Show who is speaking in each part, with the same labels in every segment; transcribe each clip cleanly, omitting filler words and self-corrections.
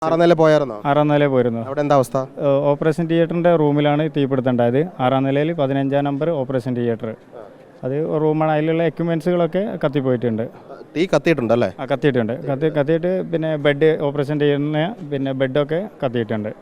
Speaker 1: ആറാം നില പോയായിരുന്നോ?
Speaker 2: ആറാം നില പോയിരുന്നു.
Speaker 1: അവിടെ എന്താ അവസ്ഥ?
Speaker 2: ഓപ്പറേഷൻ തിയേറ്ററിൻ്റെ റൂമിലാണ് തീപിടുത്തമുണ്ടായത്. ആറാം നിലയിൽ 15-ാം നമ്പർ ഓപ്പറേഷൻ തിയേറ്റർ. അത് റൂമാണ്. അതിലുള്ള എക്യുപ്മെൻസുകളൊക്കെ കത്തിപ്പോയിട്ടുണ്ട്.
Speaker 1: തീ കത്തിയിട്ടുണ്ടല്ലേ?
Speaker 2: ആ, കത്തിയിട്ടുണ്ട്. കത്തിയിട്ട് പിന്നെ ബെഡ് ഓപ്പറേഷൻ ചെയ്യുന്ന പിന്നെ ബെഡൊക്കെ കത്തിയിട്ടുണ്ട്.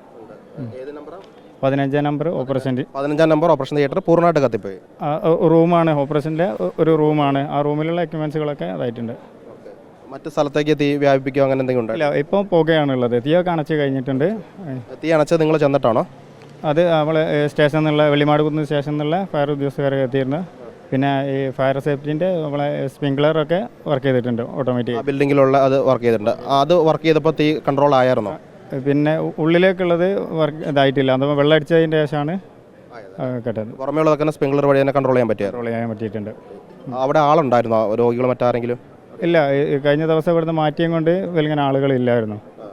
Speaker 2: 15-ാം നമ്പർ ഓപ്പറേഷൻ
Speaker 1: 15-ാം നമ്പർ ഓപ്പറേഷൻ തിയേറ്റർ പൂർണ്ണമായിട്ട് കത്തിപ്പോയി.
Speaker 2: റൂമാണ്, ഓപ്പറേഷൻ്റെ ഒരു റൂമാണ്. ആ റൂമിലുള്ള എക്യുപ്മെൻസുകളൊക്കെ അതായിട്ടുണ്ട്.
Speaker 1: മറ്റു സ്ഥലത്തേക്ക് തീ വ്യാപിപ്പിക്കുക അങ്ങനെ എന്തെങ്കിലും ഉണ്ടോ?
Speaker 2: ഇല്ല, ഇപ്പോൾ പുകയാണുള്ളത്. തീയൊക്കെ അണച്ച് കഴിഞ്ഞിട്ടുണ്ട്.
Speaker 1: തീ അണച്ചത് നിങ്ങൾ ചെന്നിട്ടാണോ?
Speaker 2: അത് നമ്മൾ സ്റ്റേഷനിൽ നിന്നുള്ള വെള്ളിമാടുകുന്ന് സ്റ്റേഷനിൽ നിന്നുള്ള ഫയർ ഉദ്യോഗസ്ഥരൊക്കെ എത്തിയിരുന്നു. പിന്നെ ഈ ഫയർ സേഫ്റ്റിൻ്റെ നമ്മളെ സ്പ്രിങ്ക്ലറൊക്കെ വർക്ക് ചെയ്തിട്ടുണ്ട് ഓട്ടോമാറ്റിക്.
Speaker 1: ബിൽഡിങ്ങിലുള്ള അത് വർക്ക് ചെയ്തിട്ടുണ്ട്. അത് വർക്ക് ചെയ്തപ്പോൾ തീ കൺട്രോൾ ആയിരുന്നോ?
Speaker 2: പിന്നെ ഉള്ളിലേക്കുള്ളത് വർക്ക് ഇതായിട്ടില്ല. അത് വെള്ളം അടിച്ചതിൻ്റെ ശേഷമാണ് കേട്ടത്.
Speaker 1: പുറമേ ഉള്ളതൊക്കെ സ്പ്രിങ്ക്ലർ വഴി തന്നെ കൺട്രോൾ ചെയ്യാൻ പറ്റിയായിരുന്നു.
Speaker 2: കൺട്രോൾ ചെയ്യാൻ പറ്റിയിട്ടുണ്ട്.
Speaker 1: അവിടെ ആളുണ്ടായിരുന്നോ, രോഗികൾ മറ്റാരെങ്കിലും?
Speaker 2: ഇല്ല, കഴിഞ്ഞ ദിവസം ഇവിടുന്ന് മാറ്റിയും കൊണ്ട് വലിയ ആളുകളില്ലായിരുന്നു.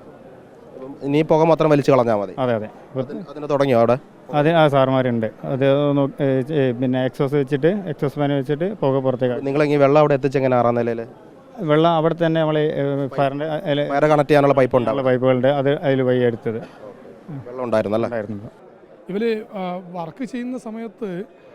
Speaker 1: ഇനി പുക മാത്രം വലിച്ചു കളഞ്ഞാൽ മതി.
Speaker 2: അതെ അതെ.
Speaker 1: അതിന് തുടങ്ങിയോ അവിടെ?
Speaker 2: ആ സാർമാരുണ്ട്. അത് പിന്നെ എക്സോസ് വെച്ചിട്ട് എക്സോസ് ഫാൻ വെച്ചിട്ട് പുക പുറത്തേക്ക്.
Speaker 1: നിങ്ങളിങ്ങനെ വെള്ളം അവിടെ എത്തിച്ചെങ്ങനെ? ആറാം നിലയിൽ
Speaker 2: വെള്ളം അവിടെ തന്നെ നമ്മൾ ഫയറിൻ്റെ
Speaker 1: വയറ് കണക്ട് ചെയ്യാനുള്ള പൈപ്പ് ഉണ്ടാവും.
Speaker 2: പൈപ്പുകളുടെ അത് അതിൽ വഴി എടുത്തത്
Speaker 1: വെള്ളം ഉണ്ടായിരുന്നല്ലേ?
Speaker 3: ഇവർ വർക്ക് ചെയ്യുന്ന സമയത്ത്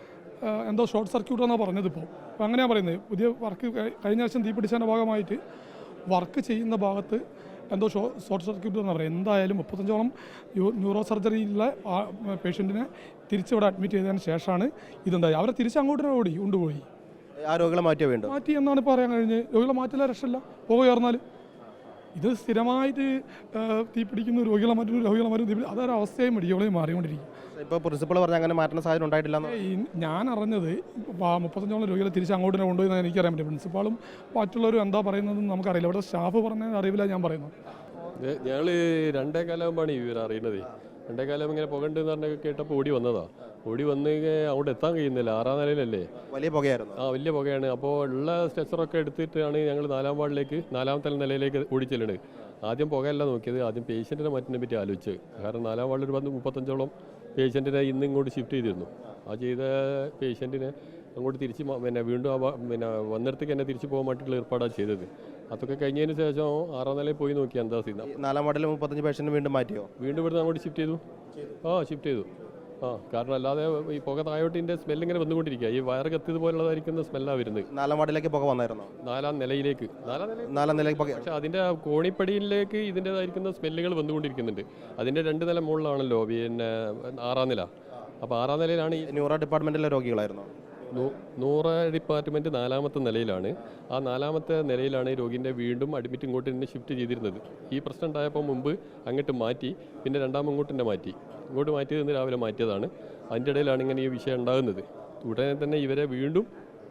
Speaker 3: എന്തോ ഷോർട്ട് സർക്യൂട്ട് എന്നാണ് പറഞ്ഞത്. ഇപ്പോൾ അങ്ങനെയാണ് പറയുന്നത്. പുതിയ വർക്ക് കഴിഞ്ഞ വർഷം തീ പിടിച്ചതിൻ്റെ ഭാഗമായിട്ട് വർക്ക് ചെയ്യുന്ന ഭാഗത്ത് എന്തോ ഷോർട്ട് സർക്യൂട്ട് എന്നാണ് പറയുന്നത്. എന്തായാലും 35ഓളം ന്യൂറോ സർജറിയിലുള്ള പേഷ്യൻറ്റിനെ തിരിച്ചിവിടെ അഡ്മിറ്റ് ചെയ്തതിന് ശേഷമാണ് ഇതുണ്ടായി. അവരെ തിരിച്ചങ്ങോട്ട് കൊണ്ടുപോയി.
Speaker 1: ആ രോഗികളെ
Speaker 3: മാറ്റി എന്നാണ് പറയാൻ കഴിഞ്ഞത്. രോഗികളെ മാറ്റില്ല, രക്ഷയില്ല. പുകയർന്നാൽ ഇത് സ്ഥിരമായിട്ട് തീ പിടിക്കുന്ന രോഗികളെ മാറ്റും തീ പിടിക്കും. അതൊരു അവസ്ഥയും മെഡിക്കോളെയും മാറിക്കൊണ്ടിരിക്കും.
Speaker 1: ഇപ്പോൾ പ്രിൻസിപ്പൾ പറഞ്ഞാൽ അങ്ങനെ മാറ്റുന്ന സാഹചര്യം ഉണ്ടായിട്ടില്ല.
Speaker 3: ഞാൻ അറിഞ്ഞത് 35ഓളം രോഗികളെ തിരിച്ച് അങ്ങോട്ട് തന്നെ കൊണ്ടുപോയി എനിക്കറിയാൻ പറ്റും. പ്രിൻസിപ്പാളും മറ്റുള്ളവരും എന്താ പറയുന്നതെന്ന് നമുക്കറിയില്ല. ഇവിടെ സ്റ്റാഫ് പറഞ്ഞ അറിവില്ല ഞാൻ പറയുന്നത്.
Speaker 4: ഞങ്ങൾ 2 കാലമാകുമ്പോഴാണ് ഇവർ അറിയുന്നത്. 2 കാലം ഇങ്ങനെ പുകണ്ടെന്ന് പറഞ്ഞ കേട്ടപ്പോൾ ഓടി വന്നതാ. ഓടി വന്ന് അങ്ങോട്ട് എത്താൻ കഴിയുന്നില്ല. 6ാം നിലയിലല്ലേ.
Speaker 1: വലിയ പുകയായിരുന്നു.
Speaker 4: വലിയ പുകയാണ്. അപ്പോൾ ഉള്ള സ്ട്രെച്ചറൊക്കെ എടുത്തിട്ടാണ് ഞങ്ങൾ 4ാം വാർഡിലേക്ക് 4ാമത്തെ നിലയിലേക്ക് ഓടിച്ചെല്ലുന്നത്. ആദ്യം പുകയല്ല നോക്കിയത്, ആദ്യം പേഷ്യൻറ്റിനെ മാറ്റിനെ പറ്റി ആലോചിച്ച്. കാരണം 4ാം വാർഡിൽ ഒരു 35ഓളം പേഷ്യൻറ്റിനെ ഇന്ന് ഇങ്ങോട്ട് ഷിഫ്റ്റ് ചെയ്തിരുന്നു. ആ ചെയ്ത പേഷ്യൻറ്റിനെ അങ്ങോട്ട് തിരിച്ച് പിന്നെ വീണ്ടും പിന്നെ വന്നിടത്തേക്ക് തന്നെ തിരിച്ചു പോകാൻ വേണ്ടിയിട്ടുള്ള ഏർപ്പാടാണ് ചെയ്തത്. അതൊക്കെ കഴിഞ്ഞതിന് ശേഷം 6ാം നിലയിൽ പോയി നോക്കി എന്താ സ്ഥിതി.
Speaker 1: 4ാം വാർഡിൽ 35 പേഷ്യൻറ്റ് വീണ്ടും മാറ്റിയോ?
Speaker 4: വീണ്ടും ഇവിടുന്ന് അങ്ങോട്ട് ഷിഫ്റ്റ് ചെയ്തു. ഷിഫ്റ്റ് ചെയ്തു. കാരണം അല്ലാതെ ഈ പുക താഴോട്ടിൻ്റെ സ്മെല്ലിങ്ങനെ വന്നുകൊണ്ടിരിക്കുക. ഈ വയറ് കത്തിയതുപോലുള്ളതായിരിക്കുന്ന സ്മെല്ലാണ് വരുന്നത്.
Speaker 1: 4ാം വാർഡിലേക്ക് പുക വന്നായിരുന്നോ?
Speaker 4: 4ാം നിലയിലേക്ക്. 4ാം നിലയിലേക്ക്
Speaker 1: പുക.
Speaker 4: പക്ഷേ അതിൻ്റെ കോണിപ്പടിയിലേക്ക് ഇതിൻ്റെതായിരിക്കുന്ന സ്മെല്ലുകൾ വന്നുകൊണ്ടിരിക്കുന്നുണ്ട്. അതിൻ്റെ 2 നില മുകളിലാണല്ലോ പിന്നെ 6ാം നില. അപ്പോൾ 6ാം നിലയിലാണ് ഈ
Speaker 1: ന്യൂറോ ഡിപ്പാർട്ട്മെൻറ്റിലെ രോഗികളായിരുന്നു.
Speaker 4: ന്യൂറോ ഡിപ്പാർട്ട്മെൻറ്റ് 4ാമത്തെ നിലയിലാണ്. ആ 4ാമത്തെ നിലയിലാണ് ഈ രോഗിൻ്റെ വീണ്ടും അഡ്മിറ്റ് ഇങ്ങോട്ട് തന്നെ ഷിഫ്റ്റ് ചെയ്തിരുന്നത്. ഈ പ്രശ്നം ഉണ്ടായപ്പോൾ മുമ്പ് അങ്ങോട്ട് മാറ്റി, പിന്നെ ഇങ്ങോട്ട് തന്നെ മാറ്റി. ഇങ്ങോട്ട് മാറ്റിയത് ഇന്ന് രാവിലെ മാറ്റിയതാണ്. അതിൻ്റെ ഇടയിലാണ് ഇങ്ങനെ ഈ വിഷയം ഉണ്ടാകുന്നത്. ഉടനെ തന്നെ ഇവരെ വീണ്ടും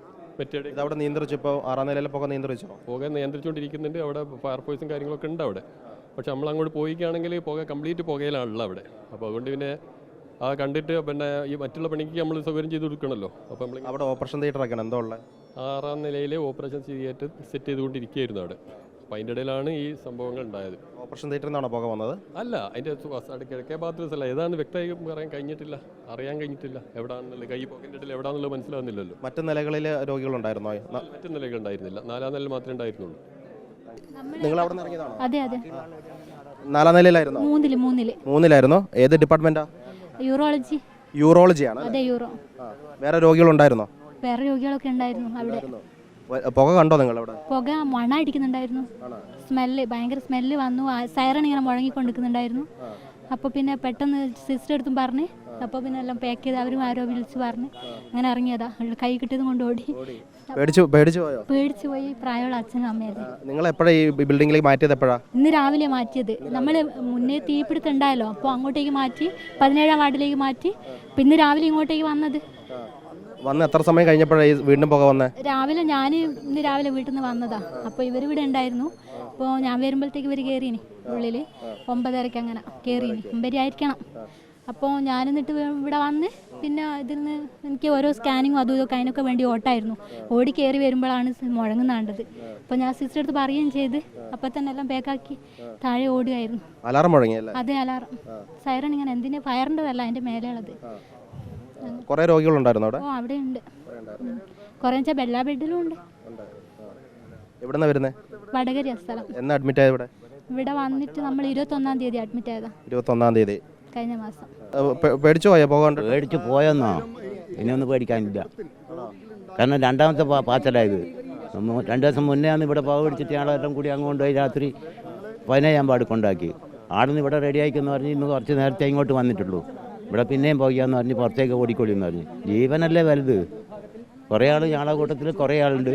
Speaker 1: അവിടെ നിയന്ത്രിച്ചു. ഇപ്പോൾ 6ാം നിലയിലെ പുക നിയന്ത്രിച്ചോ?
Speaker 4: പുക നിയന്ത്രിച്ചുകൊണ്ടിരിക്കുന്നുണ്ട്. അവിടെ ഫയർഫോഴ്സും കാര്യങ്ങളൊക്കെ ഉണ്ട് അവിടെ. പക്ഷെ നമ്മൾ അങ്ങോട്ട് പോയിക്കുകയാണെങ്കിൽ പുക കംപ്ലീറ്റ് പുകയിലാണല്ലോ അവിടെ. അപ്പോൾ അതുകൊണ്ട് പിന്നെ കണ്ടിട്ട് പിന്നെ ഈ മറ്റുള്ള പണിക്ക് നമ്മൾ സൗകര്യം ചെയ്ത് കൊടുക്കണമല്ലോ. അപ്പോൾ നമ്മൾ
Speaker 1: അവിടെ ഓപ്പറേഷൻ തിയേറ്ററൊക്കെയാണ് എന്തോ ഉള്ളത്.
Speaker 4: 6ാം നിലയിലെ ഓപ്പറേഷൻ തിയേറ്റർ സെറ്റ് ചെയ്തുകൊണ്ടിരിക്കുകയായിരുന്നു അവിടെ. അപ്പോൾ അതിൻ്റെ ഇടയിലാണ് ഈ സംഭവങ്ങൾ ഉണ്ടായത്.
Speaker 1: ഓപ്പറേഷൻ തിയേറ്ററിൽ നിന്നാണോ പുക വന്നത്?
Speaker 4: അല്ല, അതിൻ്റെ കിഴക്കേ ഭാഗത്ത് സ്ഥലം ഏതാണ് വ്യക്തമായി പറയാൻ കഴിഞ്ഞിട്ടില്ല, അറിയാൻ കഴിഞ്ഞിട്ടില്ല. എവിടെയാണെന്നുള്ളത് കൈ പോക്കറ്റിൻ്റെ ഇടയിൽ എവിടെയാണെന്നുള്ളത് മനസ്സിലാവുന്നില്ലല്ലോ.
Speaker 1: മറ്റു നിലകളിൽ രോഗികളുണ്ടായിരുന്നോ?
Speaker 4: മറ്റു നിലകളുണ്ടായിരുന്നില്ല. 4ാം നിലയിൽ മാത്രമേ ഉണ്ടായിരുന്നുള്ളൂ.
Speaker 1: നിങ്ങൾ അവിടെ നിന്ന് ഇറങ്ങിയതാണോ?
Speaker 5: അതെ അതെ.
Speaker 1: 4ാം നിലയിലായിരുന്നോ? 3-ലായിരുന്നോ? ഏത് ഡിപ്പാർട്ട്മെന്റാ? യൂറോളജിയാണ്.
Speaker 5: അതെ, യൂറോ.
Speaker 1: വേറെ രോഗികളുണ്ടായിരുന്നോ?
Speaker 5: വേറെ രോഗികളൊക്കെ ഉണ്ടായിരുന്നു അവിടെ.
Speaker 1: പുക കണ്ടോ നിങ്ങൾ അവിടെ?
Speaker 5: പുക മണ അടിക്കുന്നുണ്ടായിരുന്നു. സ്മെല്ല്, ഭയങ്കര സ്മെല്ല് വന്നു. സൈറൺ ഇങ്ങനെ മുഴങ്ങിക്കൊണ്ടിരിക്കുന്നുണ്ടായിരുന്നു. അപ്പോൾ പിന്നെ പെട്ടെന്ന് സിസ്റ്റർ എടുത്തും പറഞ്ഞ്, അപ്പോൾ പിന്നെ എല്ലാം പാക്ക് ചെയ്ത് അവരും ആരോ വിളിച്ച് പറഞ്ഞ് അങ്ങനെ ഇറങ്ങിയതാ. കൈ കിട്ടിയതും കൊണ്ട് ഓടി. പേടിച്ചു പോയി. പ്രായമുള്ള അച്ഛനും അമ്മയല്ലേ.
Speaker 1: നിങ്ങൾ എപ്പോഴാണ് ഈ ബിൽഡിങ്ങിലേക്ക് മാറ്റിയത്? എപ്പോഴാണ്?
Speaker 5: ഇന്ന് രാവിലെ മാറ്റിയത്. നമ്മൾ മുന്നേ തീപിടുത്തം ഉണ്ടായല്ലോ, അപ്പോൾ അങ്ങോട്ടേക്ക് മാറ്റി 17ാം വാർഡിലേക്ക് മാറ്റി. പിന്നെ രാവിലെ ഇങ്ങോട്ടേക്ക് വന്നത്.
Speaker 1: വന്ന് എത്ര സമയം കഴിഞ്ഞപ്പോഴാണ് വീണ്ടും പുക വന്നത്?
Speaker 5: രാവിലെ ഇന്ന് രാവിലെ വീട്ടിൽ നിന്ന് വന്നതാ. അപ്പോൾ ഇവരിവിടെ ഉണ്ടായിരുന്നു. അപ്പോൾ ഞാൻ വരുമ്പോഴത്തേക്ക് ഇവർ കയറിയിനി ഉള്ളിൽ. 9:30 അങ്ങനെ കയറിയിനി. 9 ആയിരിക്കണം. അപ്പോൾ ഞാൻ എന്നിട്ട് ഇവിടെ വന്ന് പിന്നെ ഇതിൽ നിന്ന് എനിക്ക് ഓരോ സ്കാനിങ്ങും അതും ഇതൊക്കെ അതിനൊക്കെ വേണ്ടി ഓട്ടായിരുന്നു. ഓടി കയറി വരുമ്പോഴാണ് മുഴങ്ങുന്നാണ്ടത്. അപ്പോൾ ഞാൻ സിസ്റ്റർ അടുത്ത് പറയുകയും ചെയ്ത് അപ്പോൾ തന്നെ എല്ലാം പാക്കാക്കി താഴെ ഓടുകയായിരുന്നു.
Speaker 1: അലാറം മുഴങ്ങിയല്ലേ?
Speaker 5: അതെ, അലാറം. സൈറൺ ഇങ്ങനെ എന്തിനാ ഫയറിൻ്റെതല്ല, അതിൻ്റെ മേലെയുള്ളത്.
Speaker 1: കുറേ രോഗികളുണ്ടായിരുന്നു അവിടെ?
Speaker 5: അവിടെ ഉണ്ട്. കുറേ വെച്ചാൽ എല്ലാ ബെഡിലും ഉണ്ട്.
Speaker 1: എവിടെന്നാ വരുന്നത്?
Speaker 5: വടകര സ്ഥലം.
Speaker 1: എന്നാ അഡ്മിറ്റ് ആയത് ഇവിടെ?
Speaker 5: ഇവിടെ വന്നിട്ട് നമ്മൾ 21-ാം തീയതി അഡ്മിറ്റ് ആയതാ.
Speaker 1: 21-ാം തീയതി
Speaker 5: കഴിഞ്ഞ മാസം.
Speaker 1: പേടിച്ചു പോയോ പോകാണ്ട്?
Speaker 6: പേടിച്ച് പോയെന്നോ? ഇനിയൊന്നും പേടിക്കാനില്ല. കാരണം രണ്ടാമത്തെ പാച്ചലായത്. 2 ദിവസം മുന്നേ ഇവിടെ പാവ പിടിച്ചിട്ട് ഞങ്ങളെല്ലാം കൂടി അങ്ങോട്ട് പോയി രാത്രി 15 പാട് കൊണ്ടാക്കി. ആടുന്ന് ഇവിടെ റെഡി ആയിക്കെന്ന് പറഞ്ഞ് ഇന്ന് കുറച്ച് നേരത്തെ ഇങ്ങോട്ട് വന്നിട്ടുള്ളൂ. ഇവിടെ പിന്നെയും പോകാമെന്ന് പറഞ്ഞ് പുറത്തേക്ക് ഓടിക്കൊള്ളി എന്ന് പറഞ്ഞ്. ജീവനല്ലേ വലുത്. കുറേ ആൾ ഞങ്ങളെ കൂട്ടത്തിൽ കുറേ ആളുണ്ട്.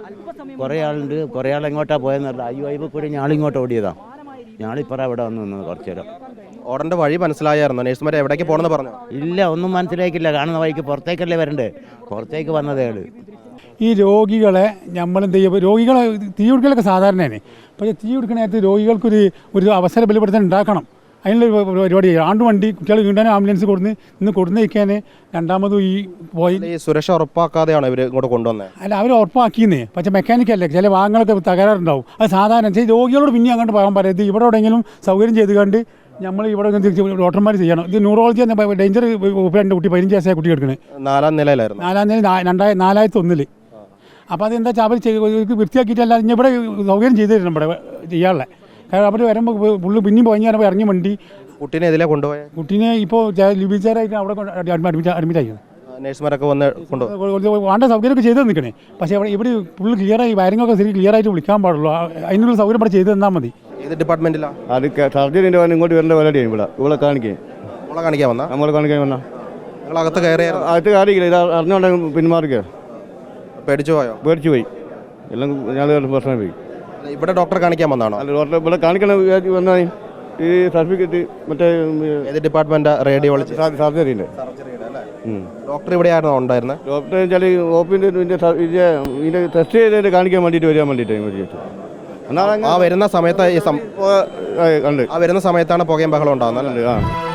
Speaker 6: കുറേ ആൾ എങ്ങോട്ടാണ് പോയെന്ന് പറഞ്ഞാൽ ഈ വൈബ് കൂടി ഞാളിങ്ങോട്ട് ഓടിയതാണ്. ഞാളിപ്പറ ഇവിടെ വന്ന് നിന്നത് കുറച്ച് നേരം.
Speaker 1: ഓടേണ്ട വഴി മനസ്സിലായിരുന്നു? നേഴ്സുമാർ എവിടേക്ക് പോകണമെന്ന് പറഞ്ഞു?
Speaker 6: ഇല്ല, ഒന്നും മനസ്സിലാക്കില്ല. കാണുന്ന വഴിക്ക് പുറത്തേക്കല്ലേ വരണ്ടേ, പുറത്തേക്ക് വന്നതേ ആള്.
Speaker 7: ഈ രോഗികളെ നമ്മളെന്ത് ചെയ്യുക, രോഗികളെ തീ കൊടുക്കലൊക്കെ സാധാരണയാണ്. പക്ഷേ തീ കൊടുക്കുന്ന നേരത്ത് രോഗികൾക്കൊരു അവസര ബലപ്പെടുത്താൻ ഉണ്ടാക്കണം. അതിനുള്ള പരിപാടി ആണ്ട് വണ്ടി കുട്ടികൾ വീണ്ടാൻ ആംബുലൻസ് ഇന്ന് കൊടുന്നേക്കാൻ രണ്ടാമതും ഈ പോയി
Speaker 1: ഈ സുരക്ഷ ഉറപ്പാക്കാതെയാണോ ഇവർ ഇങ്ങോട്ട് കൊണ്ടുവന്നത്?
Speaker 7: അല്ല, അവർ ഉറപ്പാക്കിയെന്നേ. പക്ഷേ മെക്കാനിക്കല്ലേ, ചില വാഹനങ്ങളൊക്കെ തകരാറുണ്ടാവും. അത് സാധാരണ രോഗികളോട് പിന്നെ അങ്ങോട്ട് പോകാൻ പറയരുത്. ഇവിടെ എവിടെയെങ്കിലും സൗകര്യം ചെയ്ത് കണ്ട് നമ്മൾ ഇവിടെ ഡോക്ടർമാർ ചെയ്യണം. ഇത് ന്യൂറോളജി എന്ന ഡേഞ്ചർ കുട്ടി 15 വയസ്സായ കുട്ടി എടുക്കണേ.
Speaker 1: 4-ാം നിലയിലായിരുന്നു.
Speaker 7: 4-ാം നില 4001. അപ്പോൾ അതെന്താ വെച്ചാൽ അവർ വൃത്തിയാക്കിയിട്ടല്ല ഇവിടെ സൗകര്യം ചെയ്ത് തരണം ഇവിടെ ചെയ്യാനുള്ള. കാരണം അവർ വരുമ്പോൾ പുള്ളി പിന്നെയും പോയി ഇറങ്ങി വണ്ടി
Speaker 1: കുട്ടീനെ ഇതിലെ കൊണ്ടുപോയത്?
Speaker 7: കുട്ടീനെ ഇപ്പോൾ ലിബിച്ചാറായിട്ട് അവിടെ അഡ്മിറ്റ് ആയി.
Speaker 1: നേഴ്സുമാരൊക്കെ വന്ന് കൊണ്ടുപോയി
Speaker 7: വേണ്ട സൗകര്യമൊക്കെ ചെയ്ത് നിൽക്കണേ. പക്ഷേ ഇവിടെ ഫുള്ള് ക്ലിയറായി വയറിങ്ങൊക്കെ ശരി ക്ലിയറായിട്ട് വിളിക്കാൻ പാടുള്ളൂ. അതിനുള്ള സൗകര്യം ഇവിടെ ചെയ്ത് തന്നാൽ മതി.
Speaker 1: ഏത് ഡിപ്പാർട്ട്മെന്റിലാണ്?
Speaker 8: അത് സർജറിൻ്റെ ഇങ്ങോട്ട് വരേണ്ട പരിപാടിയാണ്. ഇവിടെ കാണിക്കാൻ
Speaker 1: നമ്മളെ കാണിക്കാൻ വന്നാ?
Speaker 8: നമ്മളെ കാണിക്കാൻ വന്നാൽ
Speaker 1: നിങ്ങളകത്ത് കയറിയായിരുന്നു?
Speaker 8: അകത്ത് കാര്യമില്ല. ഇത് അറിഞ്ഞോണ്ട് പിന്മാറുക.
Speaker 1: പേടിച്ചു പോയോ?
Speaker 8: പേടിച്ചു പോയി. എല്ലാം ഞാൻ പ്രശ്നം പോയി.
Speaker 1: ഇവിടെ ഡോക്ടറെ കാണിക്കാൻ വന്നാണോ?
Speaker 8: അല്ല, ഡോക്ടറെ ഇവിടെ കാണിക്കണ വന്നാൽ ഈ സർട്ടിഫിക്കറ്റ് മറ്റേ
Speaker 1: ഏത് ഡിപ്പാർട്ട്മെന്റ്? റേഡിയോളജി
Speaker 8: സർജറിൻ്റെ.
Speaker 1: ഡോക്ടർ ഇവിടെ ആയിരുന്നു ഉണ്ടായിരുന്നത്?
Speaker 8: ഡോക്ടർ വെച്ചാൽ ഓപ്പിൻ്റെ ഇതിൻ്റെ ടെസ്റ്റ് ചെയ്തതിൻ്റെ കാണിക്കാൻ വേണ്ടിയിട്ട് വരാൻ വേണ്ടിയിട്ട്
Speaker 1: ആ വരുന്ന സമയത്ത്
Speaker 8: കണ്ട്
Speaker 1: ആ വരുന്ന സമയത്താണ് പുകയും ബഹളം ഉണ്ടാകുന്നത്.
Speaker 8: ആ